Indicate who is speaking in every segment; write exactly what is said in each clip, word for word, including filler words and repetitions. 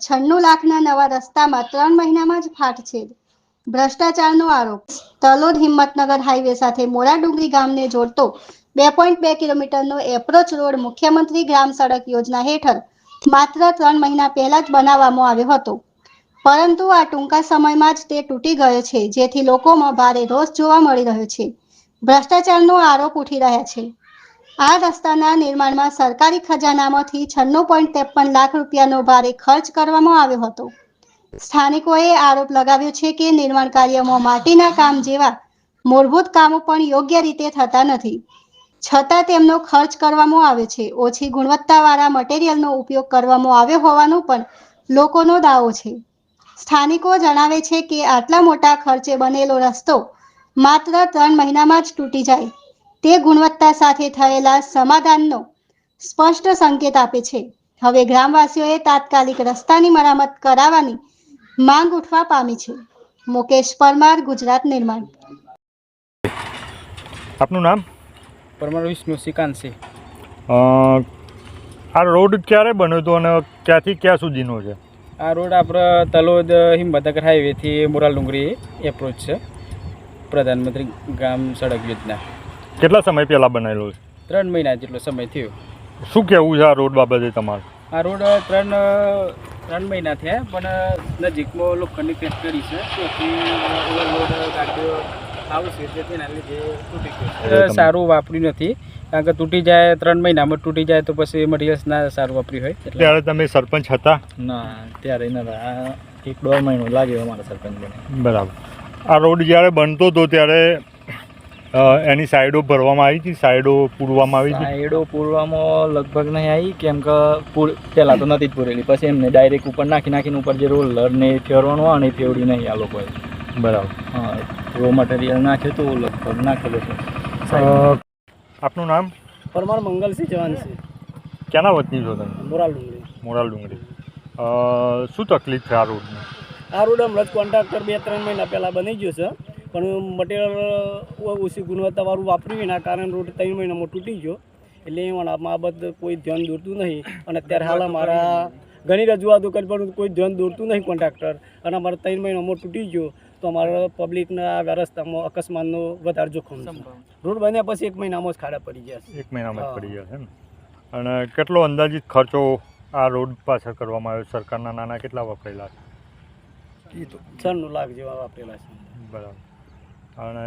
Speaker 1: છન્નું લાખના નવા રસ્તામાં ત્રણ મહિનામાં જ ફાટછેદ, ભ્રષ્ટાચારનો આરોપ. તલોદ હિંમતનગર હાઈવે સાથે મોરાડુંગરી ગામને જોડતો બે પોઈન્ટ બે કિલોમીટરનો એપ્રોચ રોડ મુખ્યમંત્રી ગ્રામ સડક યોજના હેઠળ માત્ર ત્રણ મહિના પહેલા જ બનાવવામાં આવ્યો હતો, પરંતુ આ ટૂંકા સમયમાં જ તે તૂટી ગયો છે, જેથી લોકોમાં ભારે રોષ જોવા મળી રહ્યો છે. ભ્રષ્ટાચારનો આરોપ ઉઠી રહ્યા છે. આ રસ્તાના નિર્માણમાં સરકારી ખજાનામાંથી છન્નું પોઈન્ટ ત્રેપન લાખ રૂપિયાનો ભારે ખર્ચ કરવામાં આવ્યો હતો. સ્થાનિકોએ આરોપ લગાવ્યો છે કે નિર્માણ કાર્યમાં માટીના કામ જેવા મૂળભૂત કામો પણ યોગ્ય રીતે થતા નથી, છતાં તેમનો ખર્ચ કરવામાં આવે છે. ઓછી ગુણવત્તાવાળા મટીરીયલનો ઉપયોગ કરવામાં આવ્યો હોવાનો પણ લોકોનો દાવો છે. સ્થાનિકો જણાવે છે કે આટલા મોટા ખર્ચે બનેલો રસ્તો માત્ર ત્રણ મહિનામાં જ તૂટી જાય તે ગુણવત્તા સાથે થયેલા સમાધાનનો સ્પષ્ટ સંકેત આપે છે. હવે ગ્રામવાસીઓએ તાત્કાલિક રસ્તાની મરામત કરાવવાની માંગ ઉઠવા પામી છે. મુકેશ પરમાર, ગુજરાત નિર્માણ.
Speaker 2: આપનું નામ?
Speaker 3: પરમાર વિષ્ણુ શ્રીકાંતસિંહ.
Speaker 2: આ રોડ ક્યારે બન્યો હતો અને ક્યાંથી ક્યાં સુધીનો છે?
Speaker 3: આ રોડ આપણે તલોદ હિંમતનગર હાઈવેથી મોરાડુંગરી એપ્રોચ છે, પ્રધાનમંત્રી ગ્રામ સડક યોજના.
Speaker 2: કેટલા સમય પહેલાં બનાવેલો છે?
Speaker 3: ત્રણ મહિના જેટલો સમય થયો.
Speaker 2: શું કહેવું છે આ રોડ બાબતે તમારું?
Speaker 3: આ રોડ ત્રણ ત્રણ મહિના થયા, પણ નજીકમાં લોખંડની પેચ કરી છે, તેથી ઓવરલોડ ગાડીઓ આવશે, તેથી એના લીધે તૂટી ગયું. સારું વાપર્યું નથી, કારણ કે તૂટી જાય ત્રણ મહિનામાં તૂટી જાય તો પછી મટીરિયલ્સ ના સારું વાપર્યું હોય.
Speaker 2: ત્યારે તમે સરપંચ હતા?
Speaker 3: ના, ત્યારે નતા. આ એક દોઢ મહિનો લાગ્યો અમારા સરપંચ બને.
Speaker 2: બરાબર. આ રોડ જ્યારે બનતો હતો ત્યારે એની સાઈડો ભરવામાં આવી હતી, સાઈડો પૂરવામાં આવી હતી?
Speaker 3: સાઈડો પૂરવામાં લગભગ નહીં આવી, કેમ કે પૂર પહેલાં તો નથી જ પૂરેલી, પછી એમને ડાયરેક્ટ ઉપર નાખી નાખીને ઉપર જે રોલર ને ફેરવાનું આવે ને ફેવડી નહીં આ લોકોએ.
Speaker 2: બરાબર.
Speaker 3: હા, રો મટીરિયલ નાખ્યું તો લગભગ નાખેલું છે.
Speaker 2: આપનું નામ?
Speaker 4: પરમાર મંગલસિંહ જવાનસિંહ.
Speaker 2: ક્યાંના વતની છો તમે?
Speaker 4: મોરાલ ડુંગરી.
Speaker 2: મોરાલ ડુંગરી. શું તકલીફ છે આ રોડની?
Speaker 4: આ રોડ હમણાં જ કોન્ટ્રાક્ટર બે ત્રણ મહિના પહેલાં બની ગયો છે, પણ મટીરિયલ ઓછી ગુણવત્તાવાળું વાપર્યું એના કારણે રોડ ત્રણ મહિનામાં તૂટી ગયો. એટલે એ બાબત કોઈ ધ્યાન દોરતું નહીં, અને અત્યારે હાલ અમારા ઘણી રજૂઆતો કરી પણ કોઈ ધ્યાન દોરતું નહીં કોન્ટ્રાક્ટર, અને અમારે ત્રણ મહિનામાં તૂટી ગયો તો અમારા પબ્લિકના રસ્તામાં અકસ્માતનો વધારે જોખમ છે. રોડ બન્યા પછી એક મહિનામાં જ ખાડા પડી ગયા છે.
Speaker 2: એક મહિનામાં જ પડી ગયા છે ને? અને કેટલો અંદાજિત ખર્ચો આ રોડ પાછળ કરવામાં આવ્યો? સરકારના નાણાં કેટલા વપરાયેલા છે?
Speaker 4: છન્નું લાખ જેવા વાપરેલા છે.
Speaker 2: બરાબર. અને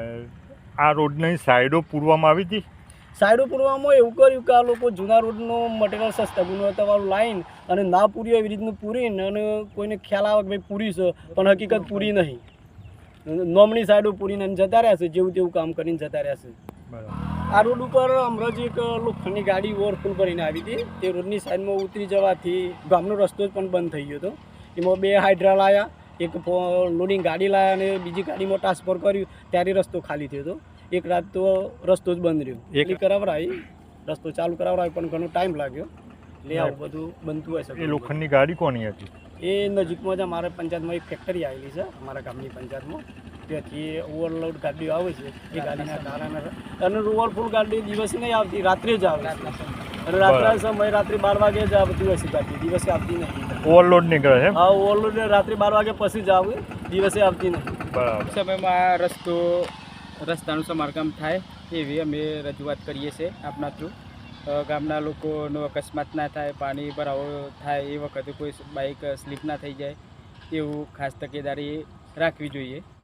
Speaker 2: આ રોડની સાઈડો પૂરવામાં આવી હતી?
Speaker 4: સાઈડો પૂરવામાં એવું કર્યું કે આ લોકો જૂના રોડનો મટીરિયલ સસ્તા ગુણવત્તાવાળું લાઈન અને ના પૂરી એવી રીતનું પૂરીને, અને કોઈને ખ્યાલ આવે કે ભાઈ પૂરી છે પણ હકીકત પૂરી નહીં, નોમની સાઈડો પૂરીને જતા રહ્યા છે, જેવું તેવું કામ કરીને જતા રહ્યા છે.
Speaker 2: બરાબર.
Speaker 4: આ રોડ ઉપર હમણાં જ એક લોખંડની ગાડી ઓવરફુલ કરીને આવી હતી, તે રોડની સાઈડમાં ઉતરી જવાથી ગામનો રસ્તો જ પણ બંધ થઈ ગયો હતો. એમાં બે હાઇડ્રા લાવ્યા, એક લોડિંગ ગાડી લાવ્યા અને બીજી ગાડીમાં ટ્રાન્સફર કર્યું, ત્યારે રસ્તો ખાલી થયો હતો. એક રાત તો રસ્તો જ બંધ રહ્યો. એટલી કરાવરાવી, રસ્તો ચાલુ કરાવરાવી પણ ઘણો ટાઈમ લાગ્યો. એટલે આવું બધું બનતું હોય છે.
Speaker 2: એ લોખંડની ગાડી કોની હતી?
Speaker 4: એ નજીકમાં જ અમારા પંચાયતમાં એક ફેક્ટરી આવેલી છે, અમારા ગામની પંચાયતમાં, ત્યાંથી ઓવરલોડ ગાડીઓ આવે છે. એ ગાડીના કારણે, અને ઓવરફુલ ગાડી દિવસે નહીં આવતી, રાત્રે જ આવે છે. અને રાત્રે સમય રાત્રે બાર વાગે જ આવતી હોય છે ગાડી, દિવસે આવતી નહીં.
Speaker 2: ઓવરલોડ નીકળે છે?
Speaker 4: હા, ઓવરલોડ રાત્રે બાર વાગે પછી જ આવે, દિવસે આવતી નહીં.
Speaker 2: બરાબર.
Speaker 3: સમયમાં રસ્તો રસ્તાનું સમારકામ થાય એવી અમે રજૂઆત કરીએ છીએ આપના થ્રુ. ગામના લોકોનો અકસ્માત ના થાય, પાણી ભરાવો થાય એ વખતે કોઈ બાઇક સ્લીપ ના થઈ જાય, એવું ખાસ તકેદારી રાખવી જોઈએ.